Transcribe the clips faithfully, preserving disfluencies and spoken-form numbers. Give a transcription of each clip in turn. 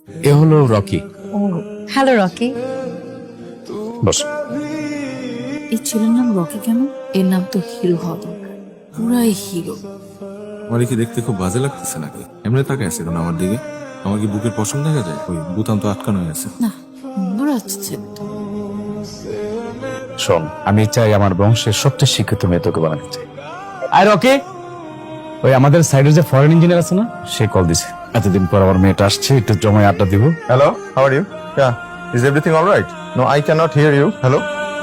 এ হলো রকি। ও hello Rocky. Boss. এই ছেলের নাম রকি কেন? এর নাম তো হিরো হওয়া দরকার, পুরাই হিরো। আমার কি দেখতে খুব বাজে লাগতেছে নাকি? এমনি তাকে আছে কেন আমার দিকে? আমার কি বুকের পশম দেখা যায়? ওই বুতাম তো আটকানো হয়ে আছে। না, সুন্দর আছে ছেলেটা। শোন, আমি চাই আমার বংশের সবচেয়ে শিক্ষিত মেয়ে তোকে বানাতে চাই। আর রকি, ওই আমাদের সাইডের যে ফরেন ইঞ্জিনিয়ার আছে না, সে কল দিছে। এতদিন পর আমার মেয়েটা আসছে, একটু জমায় আড্ডা দিব। Hello, how are you? Yeah, is everything all right? No, I cannot hear you. Hello?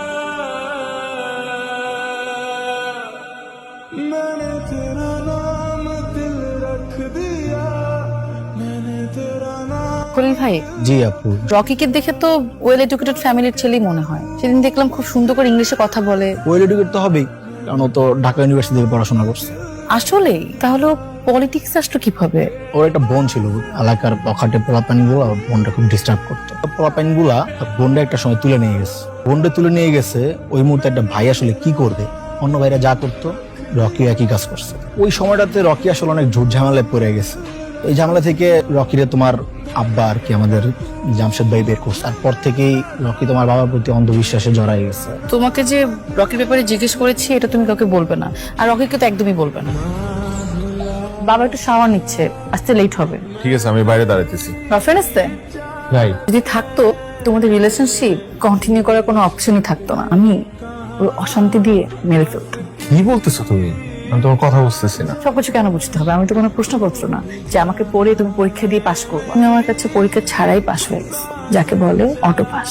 Khalil ভাই, জি আপু। রকিকে দেখে তো ওয়েল এডুকেটেড ফ্যামিলির ছেলেই মনে হয়। সেদিন দেখলাম খুব সুন্দর করে ইংলিশে কথা বলে। ওয়েল এডুকেট তো হবেই, কারণ ও তো ঢাকা ইউনিভার্সিটি থেকে পড়াশোনা করছে। আসলেই? তাহলে পলিটিক্স আসলো কিভাবে? ওর একটা বোন ছিল, এলাকার পখাটে পোলাপানি গুলো বোনটা খুব ডিস্টার্ব করতো। পোলাপানি গুলা বোনটা একটা সময় তুলে নিয়ে গেছে। বোনটা তুলে নিয়ে গেছে, ওই মুহূর্তে একটা ভাই আসলে কি করবে, অন্য ভাইরা যা করতো রকি একই কাজ করছে। ওই সময়টাতে রকি আসলে অনেক ঝুট ঝামেলায় পড়ে গেছে। এই ঝামেলা থেকে রকিরে তোমার আব্বা আর কি আমাদের জামশেদ ভাই বের করছে। তারপর থেকেই রকি তোমার বাবার প্রতি অন্ধবিশ্বাসে জড়াই গেছে। তোমাকে যে রকির ব্যাপারে জিজ্ঞেস করেছি এটা তুমি কাউকে বলবে না, আর রকিকে তো একদমই বলবে না। বাবা একটু শাওয়ার নিচ্ছে, আসতে লেট হবে। ঠিক আছে, আমি বাইরে দাঁড়াইতেছি। গার্লফ্রেন্ড আসতে ভাই যদি থাকতো তোমাদের রিলেশনশিপ কন্টিনিউ করার কোনো অপশনই থাকতো না। আমি ওই অশান্তি দিয়ে মেরে ফেলতাম। কি বলতেছো তুমি? আমি তোমার কথা বুঝতেছি না। সবকিছু কেন বুঝতে হবে? আমি তো কোনো প্রশ্নপত্র না যে আমাকে পড়ে তুমি পরীক্ষা দিয়ে পাশ করবো। তুমি আমার কাছে পরীক্ষা ছাড়াই পাশ হয়ে গেছো, যাকে বলে অটো পাস।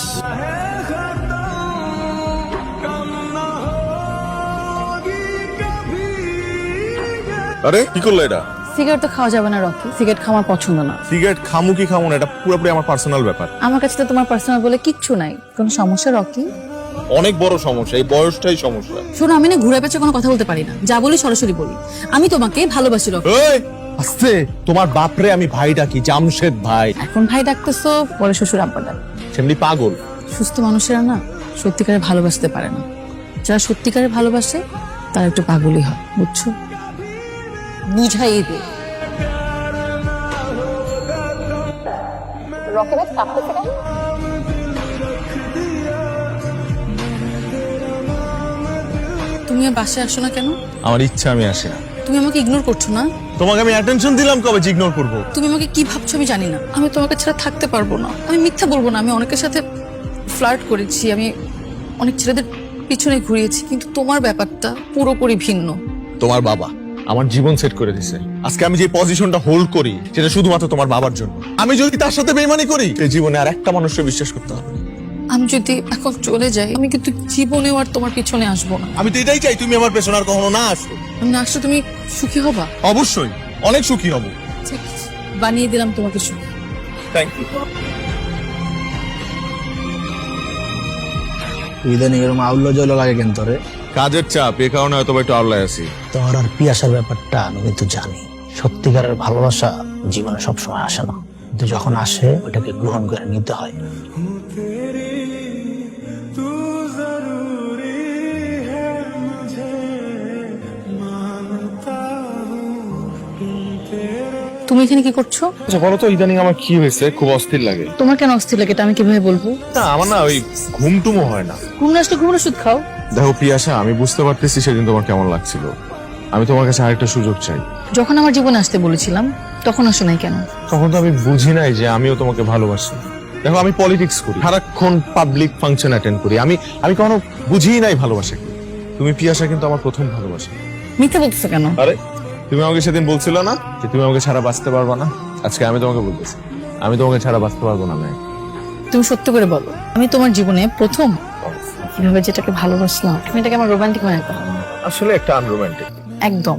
আরে কি করলো এটা? সিগারেট তো খাওয়া যাবে না রকি, সিগারেট খাওয়ার পছন্দ না। সিগারেট খামু কি খামু না, এটা পুরোপুরি আমার পার্সোনাল ব্যাপার। আমার কাছে তো তোমার পার্সোনাল বলে কিচ্ছু নাই। কোনো সমস্যা রকি? অনেক বড় সমস্যা, এই বয়সটাই সমস্যা। শোনো, আমি না ঘুরে পেঁচে কোনো কথা বলতে পারি না, যা বলি সরাসরি বলি। আমি তোমাকে ভালোবাসি রকি। এই আস্তে, তোমার বাপরে আমি ভাই ডাকি, জামশেদ ভাই। এখন ভাই ডাকতেছো, পরে শ্বশুর আব্বা ডাক। সেমনি পাগল। সুস্থ মানুষেরা না সত্যিকারে ভালোবাসতে পারে না। যারা সত্যিকারে ভালোবাসে তারা একটু পাগলই হয়, বুঝছো? বুঝাই দে। তুমি আর বাসায় আসো না কেন? আমার ইচ্ছা, আমি আসি না। তুমি আমাকে ইগনোর করছো না? তোমাকে আমি অ্যাটেনশন দিলাম কবে যে ইগনোর করবো? তুমি আমাকে কি ভাবছো আমি জানি না। আমি তোমাকে ছাড়া থাকতে পারবো না। আমি মিথ্যা বলবো না, আমি অনেকের সাথে ফ্লার্ট করেছি, আমি অনেক ছেলেদের পিছনে ঘুরিয়েছি, কিন্তু তোমার ব্যাপারটা পুরোপুরি ভিন্ন। তোমার বাবা আমার জীবন সেট করে দিছে। আজকে আমি যে পজিশনটা হোল্ড করি সেটা শুধুমাত্র তোমার বাবার জন্য। আমি যদি তার সাথে বেইমানি করি, এই জীবনে আর একটা মানুষকে বিশ্বাস করতে হবে না। আমি যদি এখন চলে যাই, আমি কিন্তু জীবনেও আর তোমার পিছনে আসবো না। আমি তো এটাই চাই, তুমি আমার পেছনে আর কখনো না আসো। আমি না আসলে তুমি সুখী হবা? অবশ্যই, অনেক সুখী হব। ঠিক আছে, বানিয়ে দিলাম তোমাকে সুখী। Thank you. ইদানিং এরকম আউল্য জল লাগে কেন তোরে? কাজের চাপ, এ কারণে হয়তো একটু আওলায় আছি। তোর আর পিয়াসার ব্যাপারটা আমি কিন্তু জানি। সত্যিকারের ভালোবাসা জীবনে সবসময় আসে না, কিন্তু যখন আসে ওটাকে গ্রহণ করে নিতে হয়। তুমি এখানে কি করছো? আচ্ছা বলো তো, ইদানিং আমার কি হয়েছে? খুব অস্থির লাগে। তোমার কেন অস্থির লাগে এটা আমি কিভাবে বলবো? না, আমার না ওই ঘুমটুমো হয় না। ঘুম না আসলে ঘুমের ওষুধ খাও। দেখো পিয়াসা, আমি বুঝতে পারতেছি সেদিন তোমার কেমন লাগছিল। আমি তোমার কাছে আরেকটা সুযোগ চাই। যখন আমার জীবনে আসতে বলেছিলাম তখন আসো নাই কেন? তখন তো আমি বুঝি নাই যে আমিও তোমাকে ভালোবাসি। দেখো, আমি পলিটিক্স করি, সারাক্ষণ পাবলিক ফাংশন অ্যাটেন্ড করি। আমি আমি কখনো বুঝিই নাই ভালোবাসা কি। তুমি পিয়াসা কিন্তু আমার প্রথম ভালোবাসা। মিথ্যা বলতেছো কেন? আরে তুমি আমাকে সেদিন বলছিল না যে তুমি আমাকে ছাড়া বাঁচতে পারবা না? আজকে আমি তোমাকে বলতেছি, আমি তোমাকে ছাড়া বাঁচতে পারবো না। আমি তুমি সত্য করে বলো, আমি তোমার জীবনে প্রথম কিভাবে যেটাকে ভালোবাসলাম। তুমি এটাকে আমার রোমান্টিক মনে করো? আসলে একটা আনরোমান্টিক। একদম।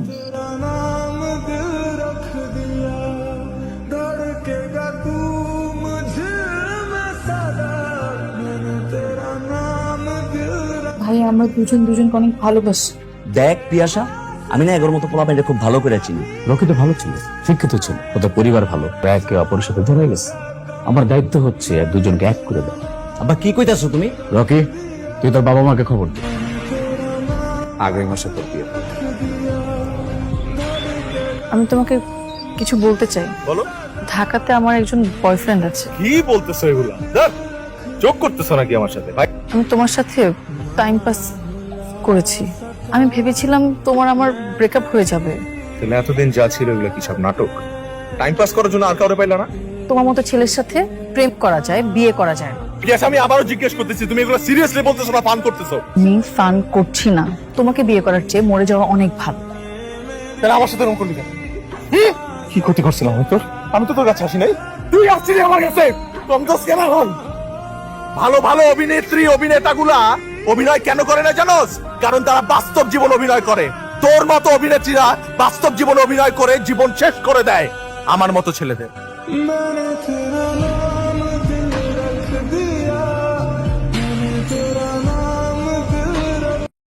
ভাই, আমরা দুজন দুজনকে অনেক ভালোবাসি। দেখ পিয়াসা, আমি না এগোর মতো পোলাপাইনটা খুব ভালো করে চিনি। রকি তো ভালো ছিল, শিক্ষিত ছিল, ওদের পরিবার ভালো, একে অপরের সাথে ধরে গেছে। আমার দায়িত্ব হচ্ছে আর দুজনকে এক করে দেয়। আব্বা কি কইতাছো তুমি? রকি, তুই তোর বাবা মাকে খবর দে, আগামী মাসে তোর বিয়ে। আমি তোমাকে কিছু বলতে চাই। বলো। ঢাকাতে আমার একজন বয়ফ্রেন্ড আছে। কি বলতেছো এগুলা? চোখ করতেছো নাকি আমার সাথে? ভাই আমি তোমার সাথে টাইম পাস করেছি। আমি ভেবেছিলাম তোমার আমার ব্রেকআপ হয়ে যাবে। তাহলে এতদিন যা ছিল এগুলো কি সব নাটক? টাইম পাস করার জন্য আর কাউরে পাইলা না? তোমার মতো ছেলের সাথে প্রেম করা যায়, বিয়ে করা যায় না। প্রিয়াস, আমি আবারও জিজ্ঞেস করতেছি, তুমি এগুলো সিরিয়াসলি বলতেছো না ফান করতেছো? আমি ফান করছি না। তোমাকে বিয়ে করার চেয়ে মরে যাওয়া অনেক ভালো। তাহলে আমার সাথে এরকম করলি কেন? কি ক্ষতি করছিলাম আমি তোর? আমি তো তোর কাছে আসি নাই। তুই আসছিলি আমার কাছে। তুমি তো স্ক্যানার হন। ভালো ভালো অভিনেত্রী অভিনেতাগুলা অভিনয় কেন করে না জানোস? কারণ তারা বাস্তব জীবন অভিনয় করে। তোর মতো অভিনেত্রীরা বাস্তব জীবন অভিনয় করে জীবন শেষ করে দেয় আমার মতো ছেলেদের।